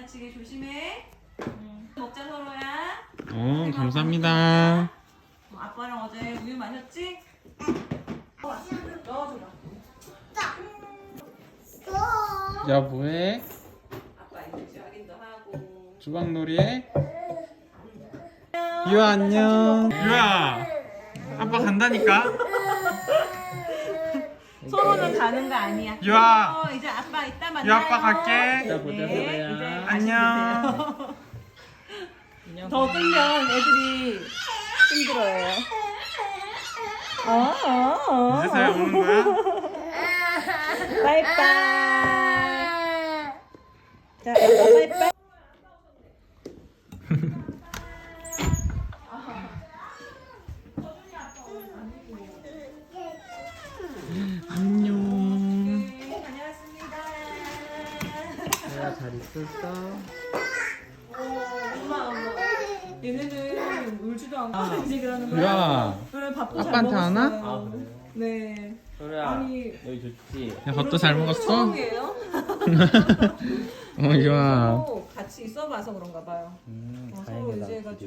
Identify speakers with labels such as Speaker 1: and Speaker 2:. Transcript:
Speaker 1: 다치게 조심해. 먹자 서로야.
Speaker 2: 감사합니다.
Speaker 1: 아빠랑 어제 우유 마셨지? 넣어줘라.
Speaker 2: 야 뭐해?
Speaker 1: 아빠 이제 확인도 하고.
Speaker 2: 주방놀이해? 유아 안녕. 유아 아빠 간다니까.
Speaker 1: 서로는 가는 거 아니야.
Speaker 2: 유아.
Speaker 1: 이제 아빠 이따 만나요.
Speaker 2: 유아 아빠 갈게.
Speaker 1: 자, 보자, 네, 이제
Speaker 2: 안녕.
Speaker 1: 더 끌면 애들이 힘들어요.
Speaker 2: 이제서야 오는 거야?
Speaker 1: 빠이빠이. 자, 빠이빠이.
Speaker 2: 안녕.
Speaker 1: 다녀왔습니다.
Speaker 2: 유아 잘 있었어?
Speaker 1: 엄마. 얘네는 울지도 않고 이제 그러는 거야.
Speaker 2: 유아
Speaker 1: 그래, 밥도 잘
Speaker 2: 아빠한테
Speaker 1: 먹었어요.
Speaker 2: 하나?
Speaker 3: 아 그래요?
Speaker 1: 네.
Speaker 3: 소리야
Speaker 1: 아니,
Speaker 3: 여기 좋지?
Speaker 2: 야 밥도 잘 먹었어?
Speaker 1: 처음이에요?
Speaker 2: 유아
Speaker 1: 같이 있어봐서 그런가 봐요. 서로
Speaker 3: 다행이다
Speaker 1: 의지해가지고.